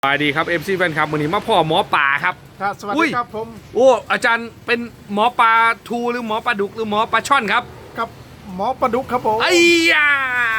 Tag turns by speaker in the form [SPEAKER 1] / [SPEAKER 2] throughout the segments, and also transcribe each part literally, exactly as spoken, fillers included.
[SPEAKER 1] สวัสดีครับ เอฟ ซี แฟนคลับวันนี้มาพ่อหมอป่าครับ
[SPEAKER 2] ครับสวัส
[SPEAKER 1] อุ้
[SPEAKER 2] ดี
[SPEAKER 1] ย
[SPEAKER 2] ครับผม
[SPEAKER 1] โอ้อาจารย์เป็นหมอปลาทูหรือหมอปลาดุกหรือหมอปลาช่อนครับ
[SPEAKER 2] กับหมอประดุกครับผม
[SPEAKER 1] ไอ้ยา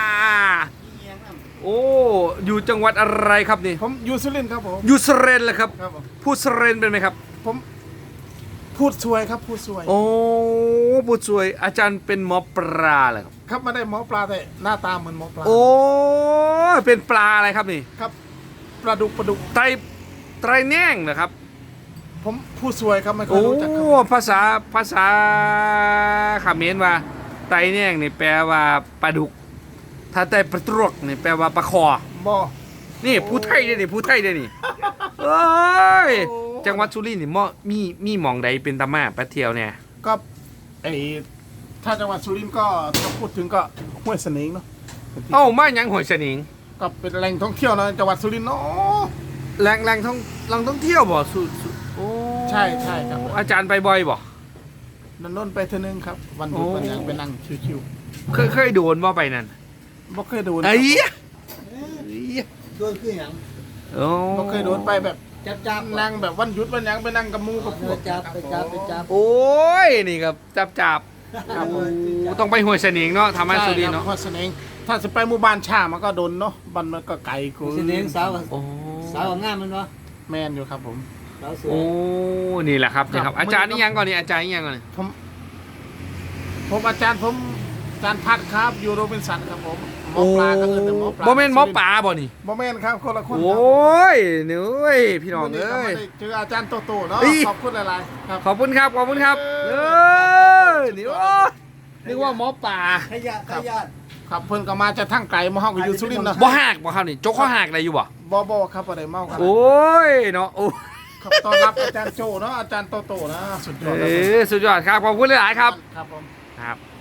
[SPEAKER 1] โอ้อยู่จังหวัดอะไรครับนี่
[SPEAKER 2] ผมยูสุรินทร์ครับผม
[SPEAKER 1] อยู่สเรนเหรอครับ
[SPEAKER 2] ครับผม
[SPEAKER 1] พูดสเรนเป็นไหมครับ
[SPEAKER 2] ผมพูดสวยครับพูดสวย
[SPEAKER 1] โอ้พูดสวยอาจารย์เป็นหมอปลาเหรอครับ
[SPEAKER 2] ครับไม่ได้หมอปลาแต่หน้าตาเหมือนหมอปลา
[SPEAKER 1] โอ้เป็นปลาอะไรครับนี่
[SPEAKER 2] ครับปลาดุกปลาดุก
[SPEAKER 1] ไตรไตรแน่งเหรอครับ
[SPEAKER 2] ผมพูดสวยครับไม่ค่อ
[SPEAKER 1] โอ้
[SPEAKER 2] ยรู้จักครับ
[SPEAKER 1] ภาษาภาษาเขมรว่าไตรแน่งนี่แปลว่าปลาดุก ถ้าไตรปลาตรวกนี่แปลว่าปลาคอ
[SPEAKER 2] บอ
[SPEAKER 1] นี่ผู้ไทยเด้นี่ผู้ไทยเด้นี่เอ้ยจังหวัดสุรินทร์นี่มอมีมีหม่องใดเป็นตามาไปเที่ยวเนี่ย
[SPEAKER 2] ก็ไอถ้าจังหวัดสุรินทร์ก็ถ้าพูดถึงก็ห้วยเสนิงเนาะ
[SPEAKER 1] เอ้ามาหยังหอยสนิง
[SPEAKER 2] ก็เป็นแหล่งท่องเที่ยวนะจังหวัดสุรินทร์เนาะ
[SPEAKER 1] แหล่งแหล่งท่องแหล่งท่องเที่ยวบ่สุสุโอ้
[SPEAKER 2] ใช่ใช่ครับ
[SPEAKER 1] อาจารย์ไปบ่อยบ่
[SPEAKER 2] นันนนไปเทอนึงครับวันหยุด
[SPEAKER 1] โอ้
[SPEAKER 2] วันหยังไปนั่งชิว
[SPEAKER 1] เคยเคยโดนบ่ไปนั่น
[SPEAKER 2] ๆบ่เคยโดน
[SPEAKER 1] ไอ้เหี้ย
[SPEAKER 3] โดนคืออย่าง
[SPEAKER 1] โอ้
[SPEAKER 2] บ่เคยโดนไปแบบ
[SPEAKER 3] จับจับ
[SPEAKER 2] นั่งแบบวันหยุดวันหยังไปนั่งกับหมูกับพวก
[SPEAKER 3] จับไปจับไปจับ
[SPEAKER 1] โอ้ยนี่ครับจับจับครับโอ้ต้องไปห้วยสนิงเนาะทำให้สุรินทร์เนาะ
[SPEAKER 2] ใช่คบข้อเสนงถ้าจะไปหมู่บ้านชามันก็โดนเนาะบ้านมันก็ไกลกู
[SPEAKER 3] สิเน้นสาว
[SPEAKER 1] โอ้
[SPEAKER 3] สาวงามมันวะ
[SPEAKER 2] แมนอยู่ครับผม
[SPEAKER 3] สาวสวย
[SPEAKER 1] โอ้นี่แหละครับนี่ครับ
[SPEAKER 2] ครับ
[SPEAKER 1] อาจารย์นี่ยังก่อนนี่อาจารย์นี่ยังก่อนนี่
[SPEAKER 2] ผมผมอาจารย์ผมอาจารย์พัดครับอยู่โรบินสันครับผมหมอปลาก็เอิ้นแต่หมอปลา
[SPEAKER 1] บ่แม่นหมอปลาบ่นี่
[SPEAKER 2] บ่แม่นครับคนละคน
[SPEAKER 1] โอ
[SPEAKER 2] ครับ
[SPEAKER 1] ้ยเหนื่อยพี่น้อง
[SPEAKER 2] วันนี้
[SPEAKER 1] เอ้
[SPEAKER 2] ก็
[SPEAKER 1] ย
[SPEAKER 2] ไม่ได้เจออาจารย์โตโตเนาะ
[SPEAKER 1] เอ้ย
[SPEAKER 2] ขอบคุณหลายๆครับ
[SPEAKER 1] ขอบคุณครับขอบคุณครับ
[SPEAKER 2] เอ
[SPEAKER 1] เอ
[SPEAKER 2] อ
[SPEAKER 1] อนี่โอ้ยนึกว่าหมอปลา
[SPEAKER 3] ขยะขยะ
[SPEAKER 2] ครับเพิ่นก็มาจะทั้งไกลมาเฮาก็อยู่สุรินทร์เนาะ
[SPEAKER 1] บ่หักบ่ครับนี่จกข้อหักได้อยู่บ่
[SPEAKER 2] บ่บ่ครับบ่ได้เมาครับ
[SPEAKER 1] โอ้ยเนาะโอ้
[SPEAKER 2] ครับต้อนรับอาจารย์โจเนาะอาจารย์โตโตนะสุดยอด
[SPEAKER 1] เอ
[SPEAKER 2] เลย
[SPEAKER 1] อสุดยอดครับขอบคุณหลายๆครับ
[SPEAKER 2] ครับผม
[SPEAKER 1] ครับ